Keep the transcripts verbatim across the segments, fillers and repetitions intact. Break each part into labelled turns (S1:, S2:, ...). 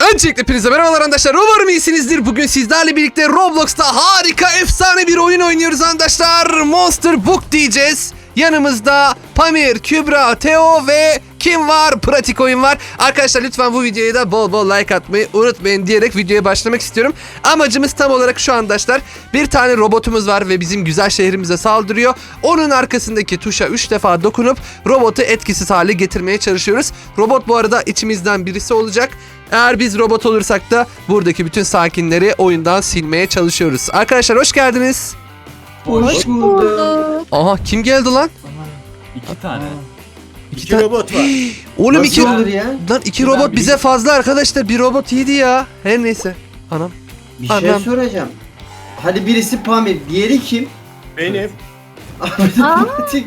S1: Öncelikle hepinize merhabalar arkadaşlar. Umarım iyisinizdir. Bugün sizlerle birlikte Roblox'ta harika, efsane bir oyun oynuyoruz arkadaşlar. Monster Book diyeceğiz. Yanımızda Pamir, Kübra, Teo ve kim var? Pratik oyun var. Arkadaşlar lütfen bu videoya da bol bol like atmayı unutmayın diyerek videoya başlamak istiyorum. Amacımız tam olarak şu arkadaşlar. Bir tane robotumuz var ve bizim güzel şehrimize saldırıyor. Onun arkasındaki tuşa üç defa dokunup robotu etkisiz hale getirmeye çalışıyoruz. Robot bu arada içimizden birisi olacak. Eğer biz robot olursak da buradaki bütün sakinleri oyundan silmeye çalışıyoruz. Arkadaşlar hoş geldiniz.
S2: Hoş bulduk.
S1: Aha kim geldi lan?
S3: İki tane.
S1: İki,
S2: İki
S1: tane
S2: robot var.
S1: Oğlum
S2: Nasıl
S1: iki
S2: olur ya?
S1: Lan iki
S3: Ben
S1: robot
S3: bir-
S1: bize fazla arkadaşlar. Bir robot iyiydi ya. Her neyse. Anam.
S4: Bir şey
S1: Anam.
S4: soracağım. Hadi birisi Pamir, diğeri kim?
S2: Benim.
S4: Abi de
S2: Aa.
S4: Pratik.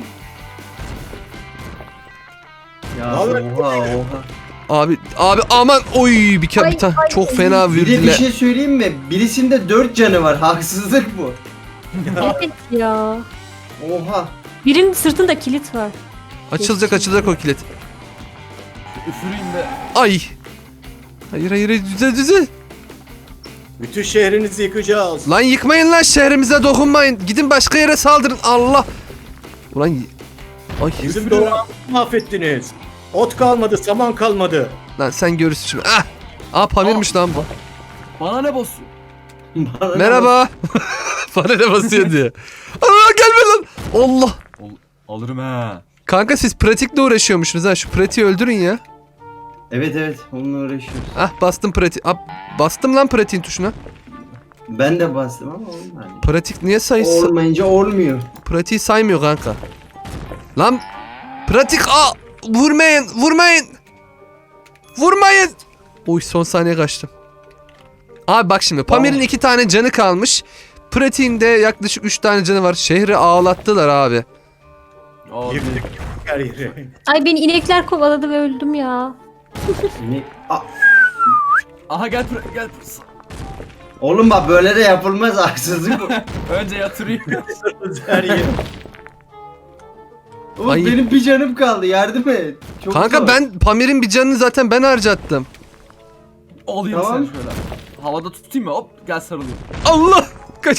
S4: Ya
S2: Abi.
S4: oha oha.
S1: Abi abi aman oy bir kere
S2: Ay,
S1: bir tane
S2: ay,
S1: çok
S2: ay.
S1: fena
S4: Bir de bir
S1: vürdüler.
S4: şey söyleyeyim mi? Birisinde dört canı var. Haksızlık bu.
S2: şey-
S5: Evet ya.
S4: Oha.
S5: Birinin sırtında kilit var.
S1: Açılacak açılacak o kilit.
S3: Üfüreyim de.
S1: Ay. Hayır hayır düze düze.
S2: Bütün şehrinizi yıkacağız.
S1: Lan yıkmayın lan şehrimize dokunmayın. Gidin başka yere saldırın. Allah. Ulan y- ay
S2: Bizim doğamızı mahvettiniz. Ot kalmadı, saman kalmadı.
S1: lan sen görürsün şimdi. Ah. Aa Pamir'miş lan bu.
S3: Bana ne basıyor?
S4: Bana
S1: Merhaba. Bana ne basıyor diye. Aa gelme lan. Allah.
S3: Ol- alırım he.
S1: Kanka siz pratikle uğraşıyormuşsunuz ha. Şu pratiği öldürün ya.
S4: Evet evet onunla uğraşıyoruz.
S1: Ah bastım pratik. Ah, bastım lan pratiğin tuşuna.
S4: Ben de bastım ama olmadı.
S1: Pratik niye sayısı?
S4: Olmayınca olmuyor.
S1: Pratiği saymıyor kanka. Lan pratik aa vurmayın vurmayın. Vurmayın. Oy son saniye kaçtım. Abi bak şimdi Pamir'in iki tane canı kalmış. Pratiğin de yaklaşık üç tane canı var. Şehri ağlattılar abi.
S3: Abi.
S2: Yıktık her yeri.
S5: Ay beni inekler kovaladı ve öldüm ya.
S4: Ne? Aa,
S3: Aha gel buraya gel.
S4: oğlum bak böyle de yapılmaz, haksızlık bu.
S3: Önce yatırayım.
S2: her yeri.
S4: Oğlum
S1: Ay.
S4: benim bir canım kaldı, yardım et. Çok
S1: Kanka
S4: zor.
S1: ben Pamir'in bir canını zaten ben harcattım.
S3: Alayım
S4: Tamam.
S3: seni şöyle. Havada tutayım mı? Hop gel sarılayım.
S1: Allah. Kaç.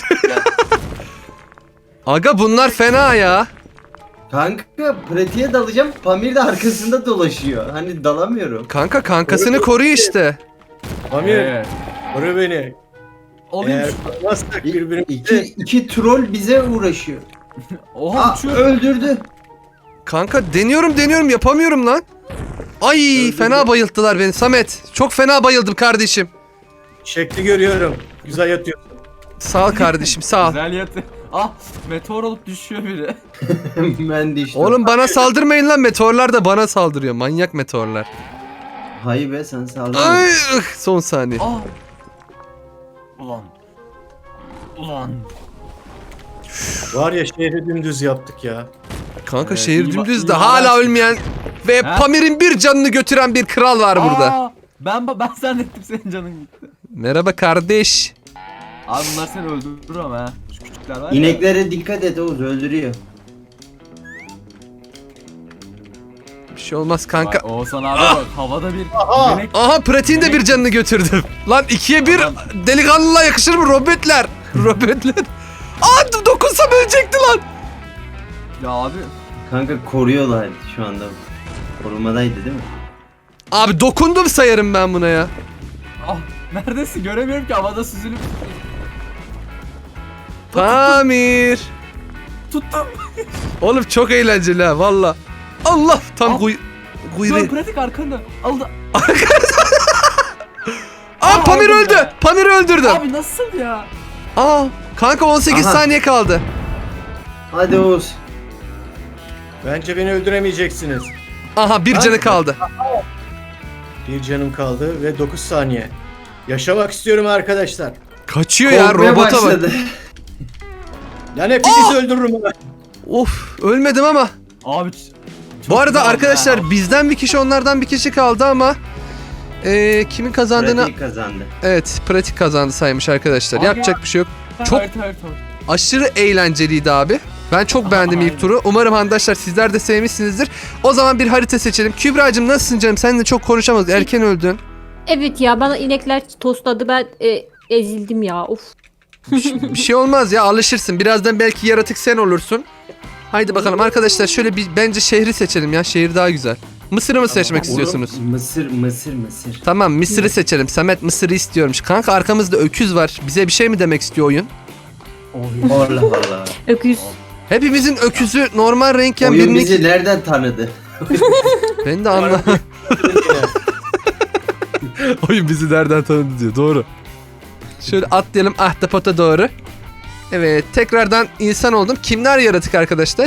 S1: Aga bunlar fena ya.
S4: Kanka pratiğe dalacağım, Pamir de arkasında dolaşıyor. Hani dalamıyorum.
S1: Kanka kankasını koruyor işte.
S2: Pamir,
S3: Ee,
S2: koru beni.
S3: alayım
S2: Eğer
S3: şu.
S2: korumazsak
S4: İki,
S2: birbirimizi...
S4: iki troll bize uğraşıyor.
S3: Oha
S4: Aa,
S3: uçuyor.
S4: öldürdü.
S1: Kanka deniyorum deniyorum yapamıyorum lan. Ay
S4: Öldürdü.
S1: fena bayılttılar beni Samet. Çok fena bayıldım kardeşim.
S2: Şekli görüyorum. Güzel yatıyorsun.
S1: Sağ ol kardeşim sağ ol.
S3: Güzel yatı. Ah meteor olup düşüyor biri.
S4: Ben de işte.
S1: Oğlum bana saldırmayın lan, meteorlar da bana saldırıyor. Manyak meteorlar.
S4: Hayır be, sen saldın.
S1: Ay, ıh, son saniye.
S3: Ah. Ulan. Ulan.
S2: Var ya şehri dümdüz yaptık ya.
S1: Kanka
S3: Ee,
S1: şehir
S3: iyi ba-
S1: dümdüz
S3: iyi
S1: de
S3: haber
S1: hala
S3: çıktı.
S1: ölmeyen ve
S3: Ha?
S1: Pamir'in bir canını götüren bir kral var burada.
S3: Aa, ben ben zannettim senin canın gitti.
S1: Merhaba kardeş.
S3: Abi bunlar seni öldürür ama ha. Şu küçükler var ya.
S4: İneklere dikkat et Oğuz, öldürüyor.
S1: Bir şey olmaz kanka.
S3: Bak, Oğuzhan abi bak havada bir
S2: Aha!
S3: yemek.
S1: Aha pratiğin de bir canını götürdüm. Lan ikiye bir
S3: Adam-
S1: delikanlılığa yakışır mı robotler? Robotler. Aa dokunsam ölecekti lan.
S3: Ya abi.
S4: Kanka koruyorlar şu anda. Korumadaydı değil mi?
S1: Abi dokundum sayarım ben buna ya.
S3: Ah neredesin göremiyorum ki havada süzülüp.
S1: Pamir.
S3: Tuttum.
S1: Oğlum çok eğlenceli ha valla. Allah tam
S3: Al.
S1: kuy
S3: Dur
S1: kuyruğu.
S3: pratik arkanda. Al da.
S1: Aa Pamir
S3: aldım
S1: öldü.
S3: ya.
S1: Pamir öldürdüm.
S3: Abi nasıl ya?
S1: Aa kanka on sekiz
S4: Aha.
S1: saniye kaldı.
S4: Hadi Oğuz.
S2: Bence beni öldüremeyeceksiniz.
S1: Aha bir
S2: Ben-
S1: canı kaldı.
S2: Bir canım kaldı ve dokuz saniye. Yaşamak istiyorum arkadaşlar.
S1: Kaçıyor ya
S4: Korkmaya
S1: robota bak.
S4: başladı.
S2: Yani hepinizi öldürürüm ben.
S1: Of ölmedim ama.
S3: Abi. ç- çok
S1: Bu arada
S3: güzel oldu
S1: arkadaşlar
S3: ha.
S1: bizden bir kişi onlardan bir kişi kaldı ama eee, kimin kazandığını
S4: Pratik kazandı.
S1: evet pratik kazandı saymış arkadaşlar.
S3: Abi
S1: Yapacak bir şey yok. çok-
S3: Evet, evet, evet.
S1: Aşırı eğlenceliydi abi. Ben çok
S3: Aha,
S1: beğendim ilk
S3: aynen.
S1: turu. Umarım arkadaşlar sizler de sevmişsinizdir. O zaman bir harita seçelim. Kübra'cığım nasılsın canım? Sen de çok konuşamadık. Erken öldün.
S5: Evet ya bana inekler tostladı ben e, ezildim ya of.
S1: Bir şey olmaz ya, alışırsın. Birazdan belki yaratık sen olursun. Haydi bakalım arkadaşlar, şöyle bir bence şehri seçelim ya. Şehir daha güzel. Mısır'ı mı seçmek istiyorsunuz?
S4: Mısır, Mısır, Mısır.
S1: Tamam, Mısır'ı seçelim. Samet Mısır'ı istiyormuş. Kanka arkamızda öküz var. Bize bir şey mi demek istiyor oyun?
S4: Allah Allah.
S5: Öküz.
S1: Hepimizin öküzü normal renkken
S4: Oyun
S1: birini...
S4: bizi nereden tanıdı?
S1: Ben de anlamadım. Oyun bizi nereden tanıdı diyor. Doğru. Şöyle atlayalım ahtapota doğru. Evet, tekrardan insan oldum. Kimler yaratık arkadaşlar?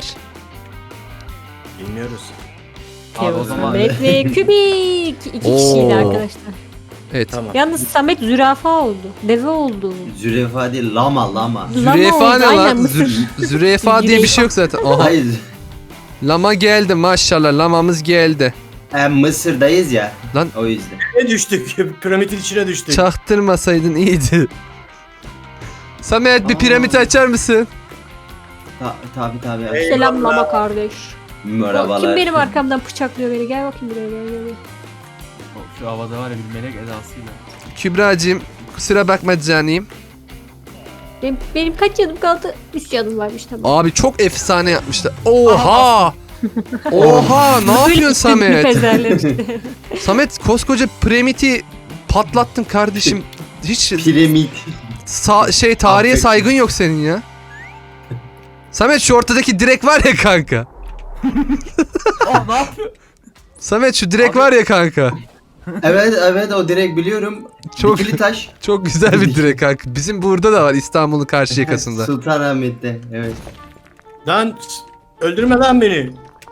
S2: Bilmiyoruz.
S3: Abi o
S5: Teo,
S3: zaman
S5: Samet ve Kübik. İki
S1: Oo.
S5: kişiydi arkadaşlar.
S1: Evet.
S2: Tamam.
S5: Yalnız Samet zürafa oldu. Deve oldu.
S4: Zürefa değil, lama lama.
S1: Zürefa
S5: Lama oldu,
S1: ne
S5: aynen,
S1: lan?
S5: Mısır.
S1: Zü- zürefa diye bir şey yok zaten. Aha.
S4: Hayır.
S1: Lama geldi maşallah. Lamamız geldi.
S4: E, Mısır'dayız ya.
S1: Lan.
S4: O yüzden.
S2: Ne düştük? Piramidin içine düştük.
S1: Çaktırmasaydın iyiydi. Samet bir
S3: Aa.
S1: piramit açar mısın?
S4: Ta tabi tabi.
S2: Ey-
S5: Selam mama kardeş.
S4: Merhabalar.
S5: Kim benim arkamdan bıçaklıyor beni? Gel bakayım buraya gel gel. gel.
S3: şu havada var ya bir melek edasıyla.
S1: Kübra'cığım kusura bakma canım.
S5: Benim, benim kaç canım kaldı? üç canım varmış tamam.
S1: Abi çok efsane yapmışlar. Oha! Oha! Ne yapıyorsun Samet?
S5: Pezerler işte.
S1: Samet koskoca piramidi patlattın kardeşim. Hiç
S4: Piramit.
S1: sa- şey tarihe
S4: Affet.
S1: saygın yok senin ya. Samet şu ortadaki direk var ya kanka.
S3: Oh ne yapıyor?
S1: Samet şu direk
S3: Abi-
S1: var ya kanka.
S4: Evet evet o direkt biliyorum.
S1: Çok
S4: Dikili taş.
S1: çok güzel bir direk kanka. Bizim burada da var İstanbul'un karşı yakasında.
S4: Sultanahmet'te evet.
S2: Lan öldürme lan beni.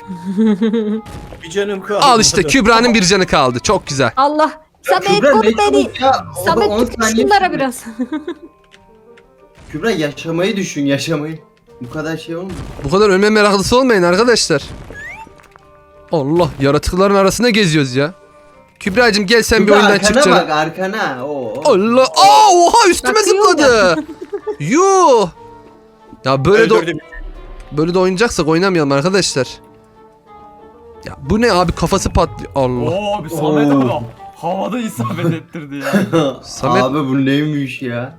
S2: Bir canım kaldı.
S1: Al işte Kübra'nın bir canı kaldı. Çok güzel.
S5: Allah. Samet
S4: Kübra
S5: koru
S4: ne
S5: beni.
S4: çabuk ya. O da on
S5: Samet tut
S4: saniye
S5: şunlara
S4: sürüyor.
S5: biraz.
S4: Kübra yaşamayı düşün yaşamayı. Bu kadar şey olmuyor.
S1: Bu kadar ölme meraklısı olmayın arkadaşlar. Allah, yaratıkların arasında geziyoruz ya. Kübra'cığım gel sen bir
S4: Kübra
S1: oyundan
S4: arkana
S1: çık canım.
S4: bak arkana. Oo.
S1: Allah. Aa, oha üstüme
S5: Bakıyor
S1: zıpladı. Yuh. Ya böyle de
S2: Öldürdüm.
S1: böyle de oynayacaksak oynamayalım arkadaşlar. Ya bu ne abi, kafası patlıyor. Allah.
S3: Oo bir Samet
S4: Oo.
S3: abi havada isabet ettirdi ya.
S1: Samet-
S4: Abi bu neymiş ya?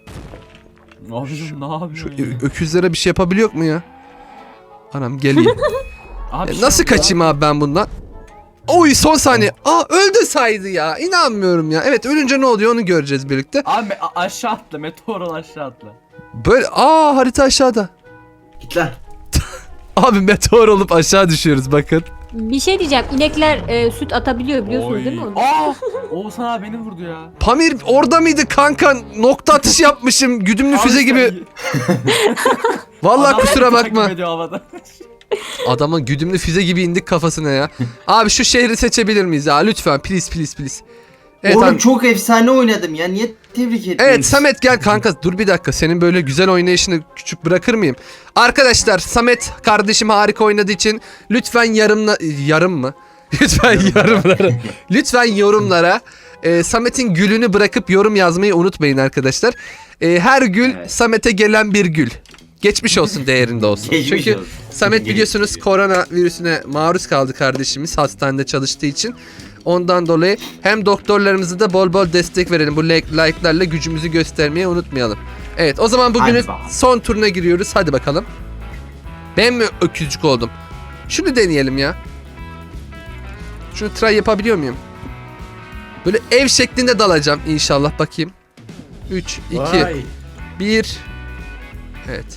S3: Abicim ne yapıyorsun ya?
S1: Ö- öküzlere bir şey yapabiliyor mu ya? Anam geliyor.
S3: Abi
S1: E,
S3: şey
S1: nasıl
S3: oldu ya.
S1: kaçayım abi ben bundan? Oy son saniye. Aa öldü saydı ya. İnanmıyorum ya. Evet, ölünce ne oluyor onu göreceğiz birlikte.
S3: Abi me- a- aşağı atla meteorol aşağı atla.
S1: Böyle aa harita aşağıda.
S4: Git lan.
S1: Abi meteor olup aşağı düşüyoruz bakın.
S5: Bir şey diyeceğim. İnekler e, süt atabiliyor biliyorsunuz
S3: Oy.
S5: değil mi onu?
S3: Aa! Oğuzhan abi beni vurdu ya.
S1: Pamir orada mıydı kanka? Nokta atış yapmışım. Güdümlü füze
S3: Abi
S1: gibi.
S3: sen-
S1: Vallahi
S3: Adam
S1: kusura
S3: beni
S1: bakma.
S3: takip ediyor havada.
S1: Adamın güdümlü füze gibi indik kafasına ya. Abi şu şehri seçebilir miyiz ya? Lütfen please please please. Evet,
S4: Oğlum
S1: abi-
S4: çok efsane oynadım ya. Niye tebrik etmiyorsun?
S1: Evet Samet gel kanka, dur bir dakika, senin böyle güzel oynayışını küçük bırakır mıyım? Arkadaşlar Samet kardeşim harika oynadığı için lütfen yarımla yarım mı? Lütfen yorumlara lütfen yorumlara e, Samet'in gülünü bırakıp yorum yazmayı unutmayın arkadaşlar. E, her gül
S4: Evet.
S1: Samet'e gelen bir gül. Geçmiş olsun değerinde olsun.
S4: Geçmiş
S1: Çünkü
S4: olsun.
S1: Samet
S4: Geçmiş
S1: biliyorsunuz
S4: olsun.
S1: korona virüsüne maruz kaldı kardeşimiz hastanede çalıştığı için. Ondan dolayı hem doktorlarımıza da bol bol destek verelim. Bu like, like'larla gücümüzü göstermeyi unutmayalım. Evet o zaman bugünün
S4: Hadi bakalım.
S1: son turuna giriyoruz. Hadi bakalım. Ben mi öküzcük oldum? Şunu deneyelim ya. Şunu try yapabiliyor muyum? Böyle ev şeklinde dalacağım inşallah, bakayım. üç, iki,
S2: Vay.
S1: bir. Evet.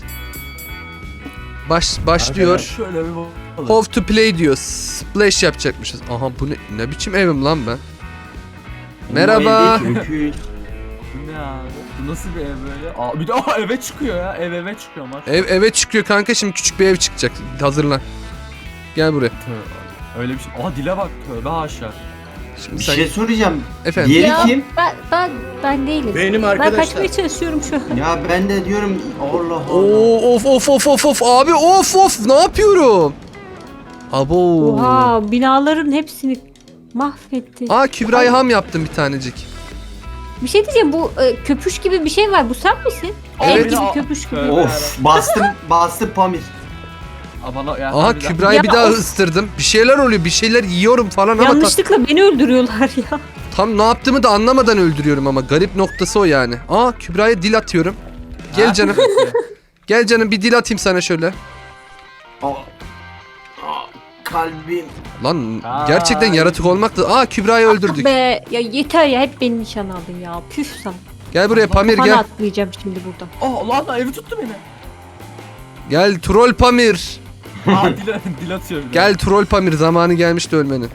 S1: Baş, başlıyor.
S3: Şöyle bir bakalım.
S1: How to play diyor. Splash yapacakmışız. Aha bu ne, ne biçim evim lan ben? Merhaba.
S4: Bu el değil ki,
S3: Bu ne abi? Bu nasıl bir ev böyle? Aa, bir de aa, eve çıkıyor ya. Ev eve çıkıyor maç.
S1: Ev eve çıkıyor kanka, şimdi küçük bir ev çıkacak. Hazırlan. Gel buraya.
S3: Tövbe. Öyle bir şey. Aa dile bak tövbe haşa.
S1: Şimdi
S4: Bir
S1: sen
S4: şey soracağım.
S1: efendim.
S4: Diğeri
S5: Ya,
S4: kim?
S5: Ben, ben, ben değilim.
S2: Benim
S5: Ben
S2: arkadaşlar.
S5: kaçmaya çalışıyorum şu an.
S4: Ya ben de diyorum Allah Allah.
S1: Oo, of of of of of abi, of of ne yapıyorum? Abo.
S5: Oha binaların hepsini mahvetti.
S1: Aa Kübra'yı ham yaptım bir tanecik.
S5: Bir şey diyeceğim bu e, köpüş gibi bir şey var. Bu sen misin?
S3: Evet.
S5: Ev gibi
S3: Aa,
S5: köpüş gibi.
S3: tövbe.
S4: Of bastım bastım Pamir.
S3: Aa, bana, ya,
S1: Aha
S3: harbiden.
S1: Kübra'yı
S5: Ya
S1: bir daha
S5: of.
S1: ısırdım. Bir şeyler oluyor. Bir şeyler yiyorum falan ama ta-
S5: Yanlışlıkla beni öldürüyorlar ya.
S1: tam ne yaptığımı da anlamadan öldürüyorum ama garip noktası o yani. Aa Kübra'ya dil atıyorum. Gel
S3: Ha?
S1: canım. Gel canım bir dil atayım sana şöyle.
S4: Aa, aa, kalbim.
S1: Lan
S3: Aa.
S1: gerçekten yaratık olmak da... Aa Kübra'yı
S5: Ah
S1: öldürdük.
S5: be ya yeter ya hep beni nişan aldın ya. Püf sana.
S1: Gel buraya Pamir
S5: Bana
S1: gel.
S5: atlayacağım şimdi buradan.
S3: Oh lan lan evi tuttu beni.
S1: Gel troll Pamir.
S3: Aa dil, dil atıyor bir de.
S1: Gel troll Pamir zamanı gelmişti ölmenin.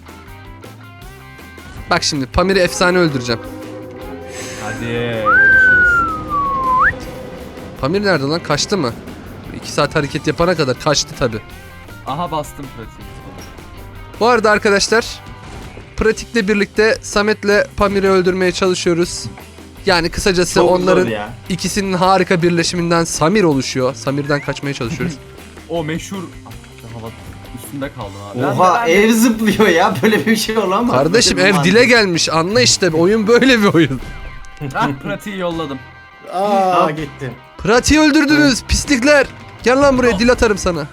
S1: Bak şimdi Pamir'i efsane öldüreceğim.
S3: Hadi görüşürüz.
S1: Pamir nerede lan? Kaçtı mı? iki saat hareket yapana kadar kaçtı tabi.
S3: Aha bastım pratik.
S1: Bu arada arkadaşlar pratikle birlikte Samet'le Pamir'i öldürmeye çalışıyoruz. Yani kısacası
S4: Çok
S1: onların
S4: zor ya.
S1: ikisinin harika birleşiminden Samir oluşuyor. Samir'den kaçmaya çalışıyoruz.
S3: O meşhur Ah, hava üstünde kaldım abi. Ben-
S4: Oha
S3: ben-
S4: ev zıplıyor ya, böyle bir şey olamaz.
S1: Kardeşim
S4: Böyle bir
S1: ev
S4: mantık.
S1: dile gelmiş. Anla işte oyun böyle bir oyun.
S3: Ah pratiği yolladım.
S2: Aa gitti.
S1: Pratiği öldürdünüz pislikler. Gel lan buraya dil atarım sana.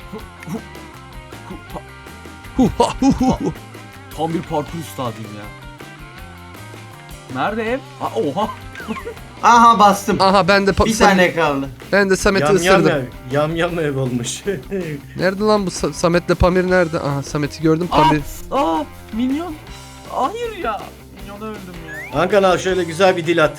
S1: Hu ha hu hu hu.
S3: Tam bir parkur üstadıyım ya. Nerede ev? Aa, oha.
S4: Aha bastım.
S1: Aha ben de pa-
S4: Bir
S1: Sam-
S4: tane kaldı.
S1: ben de Samet'i
S2: Yam yam
S1: ısırdım.
S2: ev. Yam yam ev olmuş.
S1: Nerede lan bu Sa- Samet'le Pamir nerede? Aha Samet'i gördüm
S3: Aa,
S1: Pamir.
S3: aa minyon. Hayır ya. Minyona öldüm ya.
S2: Hakan al şöyle güzel bir dil at.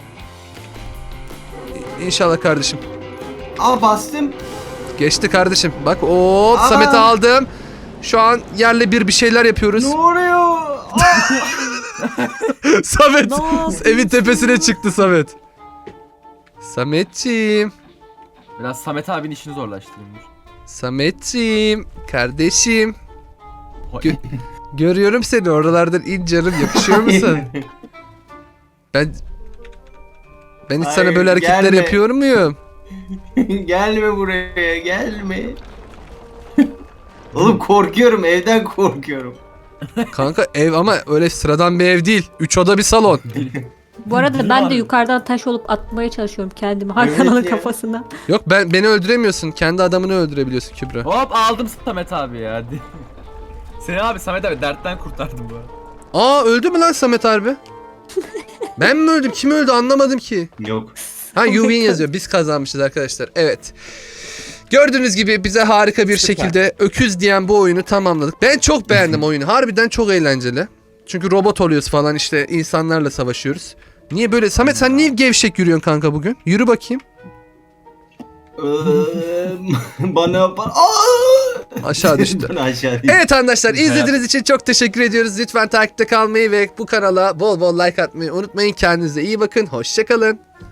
S1: İnşallah kardeşim.
S4: Aa bastım.
S1: Geçti kardeşim. Bak hop
S4: Aa.
S1: Samet'i aldım. Şu an yerle bir bir şeyler yapıyoruz.
S4: Ne oluyor? Aa!
S1: Samet
S5: Ne yapıyorsun?
S1: evin tepesine çıktı Samet. Sametciğim.
S3: Biraz Samet abinin işini zorlaştırayım. dur.
S1: Sametciğim. Kardeşim.
S3: Oy.
S1: Gö- görüyorum seni oralardan in canım yakışıyor musun? Ben ben hiç sana
S4: Hayır,
S1: böyle hareketler
S4: gelme.
S1: yapıyor muyum?
S4: Gelme buraya, gelme. Oğlum korkuyorum, evden korkuyorum.
S1: Kanka ev ama öyle sıradan bir ev değil. Üç oda bir salon.
S5: Bu arada
S3: Dil
S5: ben
S3: var.
S5: de yukarıdan taş olup atmaya çalışıyorum kendimi Hakan'ın
S4: Evet ya.
S5: kafasına.
S1: Yok ben beni öldüremiyorsun. Kendi adamını öldürebiliyorsun Kübra.
S3: Hop aldım Samet abi ya. Hadi. Seni abi Samet abi dertten kurtardım bu arada.
S1: Aa öldü mü lan Samet harbi? Ben mi öldüm? Kim öldü anlamadım ki.
S4: Yok.
S1: Ha you win yazıyor. Biz kazanmışız arkadaşlar. Evet. Gördüğünüz gibi bize harika bir
S2: Süper.
S1: şekilde öküz diyen bu oyunu tamamladık. Ben çok beğendim oyunu. Harbiden çok eğlenceli. Çünkü robot oluyoruz falan işte insanlarla savaşıyoruz. Niye böyle? Samet sen niye gevşek yürüyorsun kanka bugün? Yürü bakayım.
S4: Eee, bana bana. Aa!
S1: Aşağı düştü.
S4: Ben aşağı düştüm.
S1: Evet arkadaşlar izlediğiniz için çok teşekkür ediyoruz. Lütfen takipte kalmayı ve bu kanala bol bol like atmayı unutmayın. Kendinize iyi bakın. Hoşça kalın.